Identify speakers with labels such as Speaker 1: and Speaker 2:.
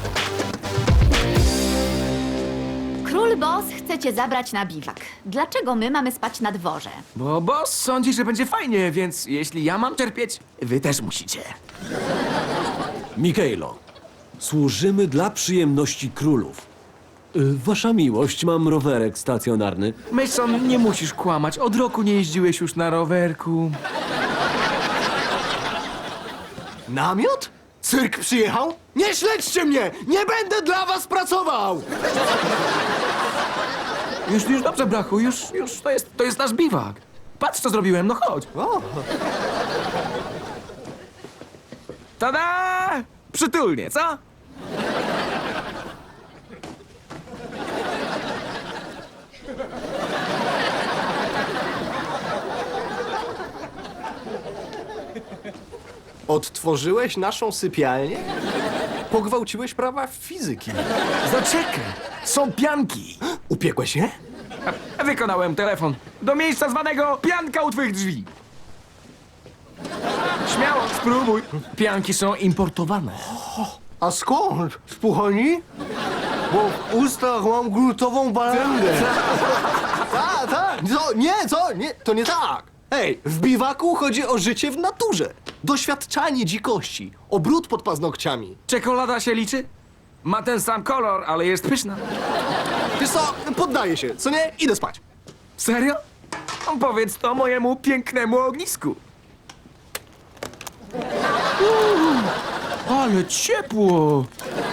Speaker 1: Król Boss chce cię zabrać na biwak. Dlaczego my mamy spać na dworze?
Speaker 2: Bo boss sądzi, że będzie fajnie, więc jeśli ja mam cierpieć, wy też musicie.
Speaker 3: Mikaelo, służymy dla przyjemności królów. Wasza miłość, mam rowerek stacjonarny.
Speaker 2: Mason, nie musisz kłamać. Od roku nie jeździłeś już na rowerku.
Speaker 4: Namiot? Cyrk przyjechał? Nie śledźcie mnie! Nie będę dla was pracował!
Speaker 2: Już dobrze, brachu, już to jest nasz biwak. Patrz, co zrobiłem, no chodź.
Speaker 4: O,
Speaker 2: Tada! Przytulnie, co?
Speaker 4: odtworzyłeś naszą sypialnię? Pogwałciłeś prawa fizyki.
Speaker 2: Zaczekaj, są pianki.
Speaker 4: Upiekłeś je?
Speaker 2: Wykonałem telefon do miejsca zwanego pianka u twych drzwi. Śmiało, spróbuj. Pianki są importowane.
Speaker 4: A skąd? Z Puchoni? Bo w ustach mam grutową balangę. Tak. Nie, to nie tak. Hej, w biwaku chodzi o życie w naturze. Doświadczanie dzikości, o brud pod paznokciami.
Speaker 2: Czekolada się liczy? Ma ten sam kolor, ale jest pyszna.
Speaker 4: Wiesz co, poddaję się, co nie? Idę spać.
Speaker 2: Serio? Powiedz to mojemu pięknemu ognisku. Ale ciepło!